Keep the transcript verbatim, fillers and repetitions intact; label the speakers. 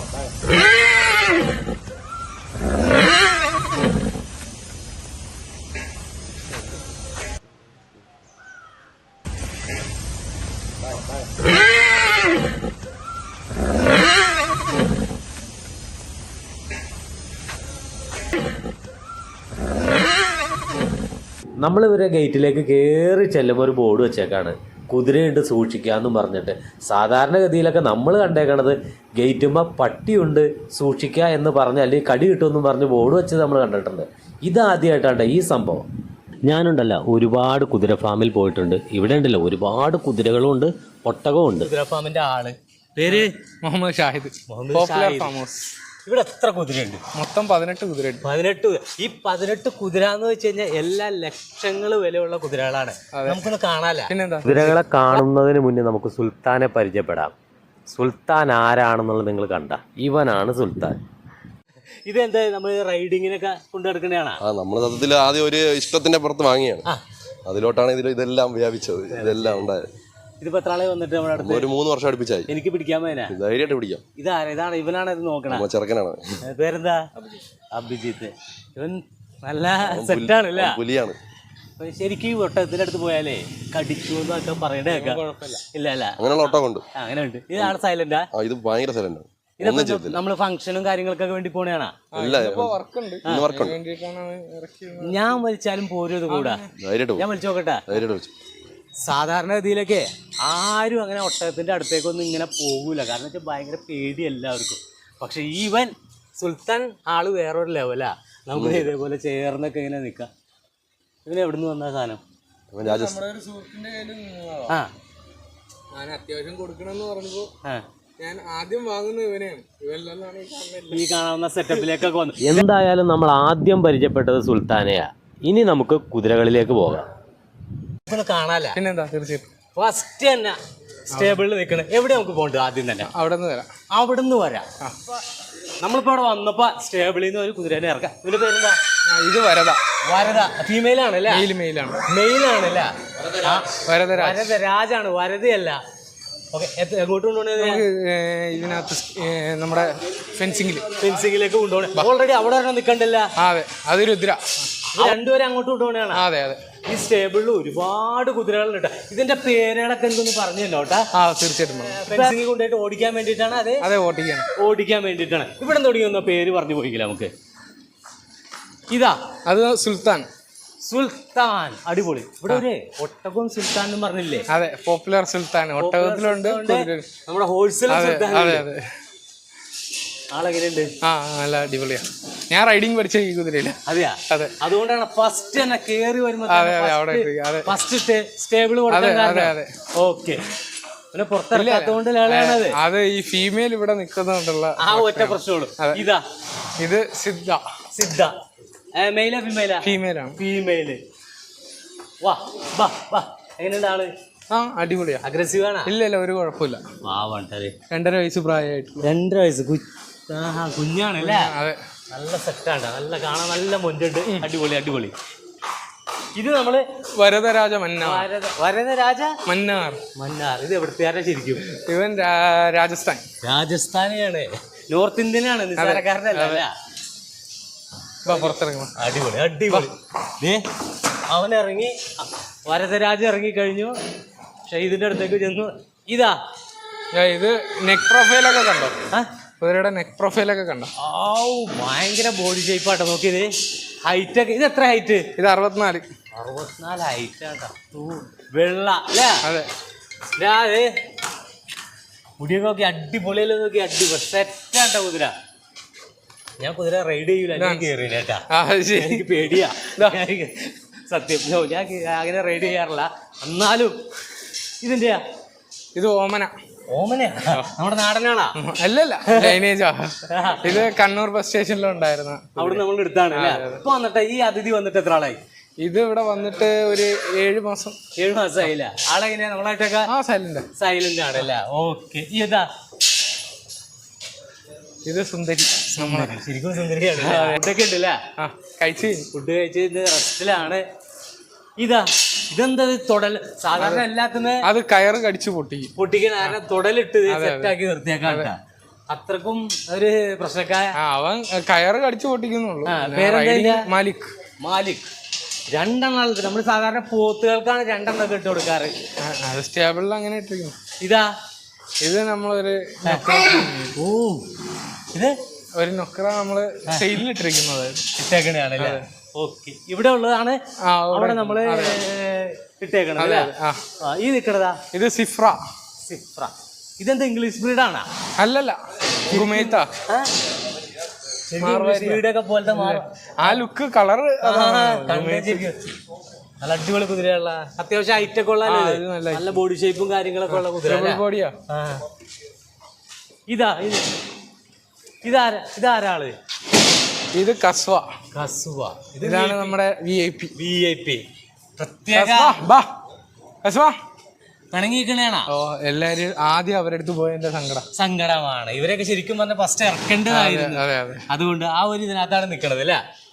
Speaker 1: നമ്മൾ ഇവരെ ഗേറ്റിലേക്ക് കയറി ചെല്ലുമ്പോൾ ഒരു ബോർഡ് വെച്ചേക്കാണ്, കുതിരയുണ്ട് സൂക്ഷിക്കാമെന്നും പറഞ്ഞിട്ട്. സാധാരണഗതിയിലൊക്കെ നമ്മൾ കണ്ടേക്കണത് ഗേറ്റുമ്പോൾ പട്ടിയുണ്ട് സൂക്ഷിക്കുക എന്ന് പറഞ്ഞ് അല്ലെങ്കിൽ കടി കിട്ടുമെന്നും പറഞ്ഞ് ബോർഡ് വെച്ച് നമ്മൾ കണ്ടിട്ടുണ്ട്. ഇതാദ്യമായിട്ടാണ് ഈ സംഭവം. ഞാനുണ്ടല്ലോ ഒരുപാട് കുതിര ഫാമിൽ പോയിട്ടുണ്ട്. ഇവിടെ ഉണ്ടല്ലോ ഒരുപാട് കുതിരകളും ഉണ്ട്, ഒട്ടകവും ഉണ്ട്. കുതിര ഫാമിൻ്റെ ആള് പേര്
Speaker 2: മുഹമ്മദ് ഷാഹിദ്.
Speaker 1: ഇവിടെ എത്ര കുതിരയുണ്ട്?
Speaker 2: മൊത്തം പതിനെട്ട് കുതിരയുണ്ട്.
Speaker 1: പതിനെട്ട്. ഈ പതിനെട്ട് കുതിര എന്ന് വെച്ച് കഴിഞ്ഞാൽ എല്ലാ ലക്ഷങ്ങൾ വിലയുള്ള കുതിരകളാണ്. നമുക്കൊന്ന് കാണാല. കുതിരകളെ കാണുന്നതിന് മുന്നേ നമുക്ക് സുൽത്താനെ പരിചയപ്പെടാം. സുൽത്താൻ ആരാണെന്നുള്ളത് നിങ്ങൾ കണ്ട, ഇവനാണ് സുൽത്താൻ. ഇതെന്താ നമ്മൾ റൈഡിങ്ങിനൊക്കെ കൊണ്ടുനടക്കണതാണ്?
Speaker 3: ആ നമ്മൾ സത്യത്തിൽ ആദ്യം ഒരു ഇഷ്ടത്തിന്റെ പുറത്ത് വാങ്ങിയാണ്, അതിലോട്ടാണ് ഇതിൽ ഇതെല്ലാം വ്യാപിച്ചത്, ഇതെല്ലാം ഉണ്ടായത്.
Speaker 1: ഇതിപ്പോ എത്ര ആളെ വന്നിട്ട് നമ്മുടെ അടുത്ത്?
Speaker 3: ഒരു മൂന്ന് വർഷം അടുപ്പിച്ചായി.
Speaker 1: എനിക്ക് പിടിക്കാൻ പോയനാ?
Speaker 3: ധൈര്യമായിട്ട് പിടിക്കാം.
Speaker 1: ഇതാരാ? ഇതാണ് ഇവനാണ് ഇത് നോക്കണ ചെറുക്കനാണ്. പേരെന്താ? അഭിജിത്ത്. ഇവൻ നല്ല സെറ്റാണ് അല്ലേ?
Speaker 3: പുലിയാണ്
Speaker 1: ശരിക്കും. ഈ ഒട്ടകത്തിന്റെ അടുത്ത് പോയാലേ കടിച്ചു എന്നൊക്കെ പറയണ കേൾക്കാം. ഇല്ല അല്ല,
Speaker 3: അങ്ങനെയുള്ള ഒട്ടകം ഉണ്ട്.
Speaker 1: അങ്ങനെ ഉണ്ട്. ഇതാണ് സൈലന്റാ?
Speaker 3: ഇത് ഭയങ്കര സൈലന്റ്.
Speaker 1: നമ്മള് ഫംഗ്ഷനും കാര്യങ്ങൾക്കൊക്കെ വേണ്ടി പോണേണാ? ഞാൻ വലിച്ചാലും പോരും ഇത് കൂടാ? ഞാൻ വലിച്ചു നോക്കട്ടെ. സാധാരണ ഗതിയിലൊക്കെ ആരും അങ്ങനെ ഒട്ടകത്തിന്റെ അടുത്തേക്കൊന്നും ഇങ്ങനെ പോകൂല, കാരണം വെച്ചാൽ ഭയങ്കര പേടി എല്ലാവർക്കും. പക്ഷെ ഈവൻ സുൽത്താൻ ആള് വേറൊരു ലെവലാ. നമുക്ക് ഇതേപോലെ ചേർന്നൊക്കെ ഇങ്ങനെ നിക്കാം. ഇവന് എവിടുന്ന് വന്ന സാധനം? ആ,
Speaker 2: ഞാൻ അത്യാവശ്യം കൊടുക്കണമെന്ന് പറഞ്ഞപ്പോ ഞാൻ ആദ്യം വാങ്ങുന്നത് ഇവനെയാണ്.
Speaker 1: ഈ കാണാവുന്ന സെറ്റപ്പിലേക്കൊക്കെ വന്നു. എന്തായാലും നമ്മൾ ആദ്യം പരിചയപ്പെട്ടത് സുൽത്താനെയാ. ഇനി നമുക്ക് കുതിരകളിലേക്ക് പോകാം. കാണാല.
Speaker 2: പിന്നെന്താ, തീർച്ചയായിട്ടും
Speaker 1: ഫസ്റ്റ് തന്നെ സ്റ്റേബിളിൽ നിൽക്കണ. എവിടെ നമുക്ക് പോകണ്ടത്? ആദ്യം തന്നെ
Speaker 2: അവിടെ നിന്ന് വരാം.
Speaker 1: അവിടെ നിന്ന് വരാം. നമ്മളിപ്പോ അവിടെ വന്നപ്പോ സ്റ്റേബിളിൽ നിന്ന് ഒരു കുതിരേനെ ഇറക്കാം. ഇതിന്റെ പേരെന്താ?
Speaker 2: ഇത് വരദ.
Speaker 1: വരദ ഫീമെയിൽ ആണല്ലേ?
Speaker 2: മെയിലാണ്.
Speaker 1: മെയിൽ ആണല്ലേ?
Speaker 2: വരദരാജ്.
Speaker 1: വരദരാജാണ്, വരദയല്ല. ഓക്കെ, എങ്ങോട്ട് കൊണ്ടുപോകണത്?
Speaker 2: ഇതിനകത്ത് നമ്മുടെ ഫെൻസിംഗിൽ
Speaker 1: ഫെൻസിംഗിലേക്ക് കൊണ്ടുപോകണേ. ഓൾറെഡി അവിടെ ഒരെണ്ണം നിൽക്കണ്ടല്ല?
Speaker 2: അതെ, അത് രുദ്ര.
Speaker 1: രണ്ടുപേരെ അങ്ങോട്ട് കൊണ്ടുപോകണതാണ്.
Speaker 2: അതെ അതെ.
Speaker 1: ഈ സ്റ്റേബിളിൽ ഒരുപാട് കുതിരകളുണ്ട്. ഇതിന്റെ പേരുകളൊക്കെ എന്തൊന്ന് പറഞ്ഞു തന്നോട്ടാ?
Speaker 2: ആ, തീർച്ചയായിട്ടും.
Speaker 1: ഫെൻസിംഗ് കൊണ്ടുപോയിട്ട് ഓടിക്കാൻ വേണ്ടിയിട്ടാണ്? അതെ
Speaker 2: അതെ, ഓടിക്കാൻ
Speaker 1: ഓടിക്കാൻ വേണ്ടിയിട്ടാണ്. ഇവിടെ തുടങ്ങിയൊന്ന പേര് പറഞ്ഞു പോയിക്കില്ല നമുക്ക്. ഇതാ,
Speaker 2: അത് സുൽത്താൻ.
Speaker 1: സുൽത്താൻ, അടിപൊളി. ഇവിടെ ഒരു ഒട്ടകവും സുൽത്താൻ എന്ന് പറഞ്ഞില്ലേ?
Speaker 2: അതെ, പോപ്പുലർ സുൽത്താൻ. ഒട്ടകത്തിലുണ്ട്,
Speaker 1: നമ്മുടെ ഹോൾസെയിൽ സുൽത്താൻ.
Speaker 2: അതെ അതെ.
Speaker 1: ആളെങ്ങനെയുണ്ട്?
Speaker 2: ആ, നല്ല അടിപൊളിയാ. ഞാൻ റൈഡിങ് പഠിച്ച ഈ കുതിരയില്ല.
Speaker 1: അതെയാ? അതെ. അതുകൊണ്ടാണ് ഫസ്റ്റ് തന്നെ കേറി വരുമ്പോ ഫസ്റ്റ് സ്റ്റേബിൾ കൊടുക്കാൻ. ഓക്കെ, പിന്നെ പുറത്തിറക്കാത്തോണ്ട് ലാളാണത്.
Speaker 2: അത് ഈ ഫീമെയിൽ ഇവിടെ നിൽക്കുന്നുണ്ടുള്ള
Speaker 1: ആ ഒറ്റ പ്രശ്നമുള്ളൂ. ഇതാ,
Speaker 2: ഇത് സിദ്ധ.
Speaker 1: സിദ്ധ മെയിലാ ഫീമെയിലാ?
Speaker 2: ഫീമെയിലാണ്.
Speaker 1: ഫീമെയില്. വാ വാ വാ. എങ്ങനെയുണ്ട് ആള്?
Speaker 2: ആ, അടിപൊളിയാ.
Speaker 1: അഗ്രസീവ് ആണ്?
Speaker 2: ഇല്ല ഇല്ല, ഒരു കുഴപ്പമില്ല. രണ്ടര വയസ്സ് പ്രായമായിട്ട്.
Speaker 1: രണ്ടര വയസ്സ് കുഞ്ഞാണല്ലേ?
Speaker 2: അതെ,
Speaker 1: നല്ല സെറ്റാണ്. നല്ല കാണാൻ നല്ല മൊഞ്ചുണ്ട്. അടിപൊളി അടിപൊളി. ഇത് നമ്മള്
Speaker 2: വരദരാജ മന്നാർ.
Speaker 1: വരദരാജ
Speaker 2: മന്നാർ.
Speaker 1: മന്നാർ. ഇത് എവിടുത്തെ ശരിക്കും?
Speaker 2: ഇവൻ രാജസ്ഥാൻ.
Speaker 1: രാജസ്ഥാനിയാണ്, നോർത്ത് ഇന്ത്യനാണ്, നിസ്സാരക്കാരനല്ല.
Speaker 2: പുറത്തിറങ്ങണം.
Speaker 1: അടിപൊളി അടിപൊളി. അവൻ ഇറങ്ങി, വരദരാജ ഇറങ്ങി കഴിഞ്ഞു. ഷഹീദിന്റെ അടുത്തേക്ക് ചെന്നു. ഇതാ,
Speaker 2: ഇത് നെക്ക് പ്രൊഫൈലൊക്കെ കണ്ടോ? കുതിരയുടെ നെക്ക് പ്രൊഫൈലൊക്കെ കണ്ടോ?
Speaker 1: ഓ, ഭയങ്കര ബോഡി ഷേപ്പാട്ടോ. നോക്കിയത് ഹൈറ്റ് ഒക്കെ. ഇത് എത്ര ഹൈറ്റ്?
Speaker 2: ഇത് അറുപത്തിനാല്.
Speaker 1: അറുപത്തിനാല് ഹൈറ്റ് ആട്ടോ. വെള്ള അല്ലേ?
Speaker 2: അതെ.
Speaker 1: അതെ, മുടിയൊക്കെ നോക്കി അടിപൊളിയല്ലോ. നോക്കി അടിപൊളി സെറ്റാട്ടോ കുതിര. ഞാൻ കുതിര റൈഡ് ചെയ്യൂല, ഞാൻ കേറിയില്ലേട്ടാ. എനിക്ക് പേടിയാ സത്യം. ഞാൻ അങ്ങനെ റൈഡ് ചെയ്യാറില്ല. എന്നാലും ഇതിന്റെയാ?
Speaker 2: ഇത് ഓമന.
Speaker 1: ഓമനയാ? നമ്മുടെ നാടനാണാ?
Speaker 2: അല്ലല്ല, ലൈനേജാ. ഇത് കണ്ണൂർ ബസ് സ്റ്റേഷനിലുണ്ടായിരുന്നു.
Speaker 1: അവിടെ നമ്മൾ എടുത്താണ്. ഇപ്പൊ വന്നിട്ട് ഈ അതിഥി വന്നിട്ട് എത്ര ആളായി?
Speaker 2: ഇത് ഇവിടെ വന്നിട്ട് ഒരു ഏഴു മാസം.
Speaker 1: ഏഴു മാസം ആയില്ല? ആളെങ്ങനെയാ നമ്മളായിട്ടൊക്കെ?
Speaker 2: ആ, സൈലന്റ്.
Speaker 1: സൈലന്റ് ആണല്ലേ? ഓക്കെ. ഇതാ, ഇത് സുന്ദരി. ശരിക്കും സുന്ദരിയാണ്. ഫുഡൊക്കെ ഉണ്ടല്ലേ?
Speaker 2: ആ, കഴിച്ച്
Speaker 1: ഫുഡ് കഴിച്ച് റെസ്റ്റിലാണ്. ഇതാ, ഇതെന്താ തൊടൽ? സാധാരണ എല്ലാത്തിനും
Speaker 2: അത് കയറ് കടിച്ചു പൊട്ടി
Speaker 1: പൊട്ടിക്കാൻ തൊടലിട്ട് സെറ്റാക്കി നിർത്തിയേക്കാം. അത്രക്കും ഒരു പ്രശ്നക്കായ.
Speaker 2: ആ, അവൻ കയറ് കടിച്ചു പൊട്ടിക്കുന്നുള്ളൂ.
Speaker 1: ആ, പേരെന്താ?
Speaker 2: മാലിക്.
Speaker 1: മാലിക്. രണ്ടെണ്ണം നമ്മൾ സാധാരണ പോത്തുകൾക്കാണ് രണ്ടെണ്ണം ഇട്ട് കൊടുക്കാറ്.
Speaker 2: അത് സ്റ്റേബിളിൽ അങ്ങനെ ഇട്ടിരിക്കുന്നു.
Speaker 1: ഇതാ
Speaker 2: ഇത് നമ്മളൊരു
Speaker 1: ഓ ഇത്
Speaker 2: ഒരു നൊക്കറ നമ്മള് സെയിലിൽ ഇട്ടിരിക്കുന്നത്
Speaker 1: ഇട്ടേക്കണയാണല്ലേ. ഓക്കെ, ഇവിടെ ഉള്ളതാണ് അവിടെ നമ്മള് ഇട്ടേക്കണത് അല്ലേ. ഈ നിക്കണതാ
Speaker 2: ഇത് സിഫ്ര.
Speaker 1: സിഫ്ര ഇതെന്താ ഇംഗ്ലീഷ് ബ്രീഡാണ്?
Speaker 2: അല്ലല്ല, ഗുമേത്ത.
Speaker 1: ബ്രീഡൊക്കെ പോലത്തെ
Speaker 2: ആ ലുക്ക് കളറ്
Speaker 1: നല്ല അടിപൊളി കുതിരയുള്ള, അത്യാവശ്യം ഹൈറ്റ് ഒക്കെ ഉള്ള, നല്ല ബോഡി ഷേപ്പും കാര്യങ്ങളൊക്കെ ഉള്ള കുതിര.
Speaker 2: ബോഡിയാ.
Speaker 1: ഇതാ ഇത് ഇതാരാ ഇതാരാള്?
Speaker 2: ഇത് കസ്വ.
Speaker 1: കസ്വ.
Speaker 2: ഇതാണ് നമ്മുടെ V I P.
Speaker 1: V I P പ്രത്യേക പിണങ്ങിക്കണേണ.
Speaker 2: ഓ, എല്ലാരും ആദ്യം അവരുടെ അടുത്ത് പോയതിന്റെ സങ്കടം
Speaker 1: സങ്കടമാണ്. ഇവരൊക്കെ ശരിക്കും പറഞ്ഞ ഫസ്റ്റ് ഇറക്കേണ്ടതായിരുന്നു. അതുകൊണ്ട് ആ ഒരു ഇതിനകത്താണ് നിക്കണത് അല്ലേ.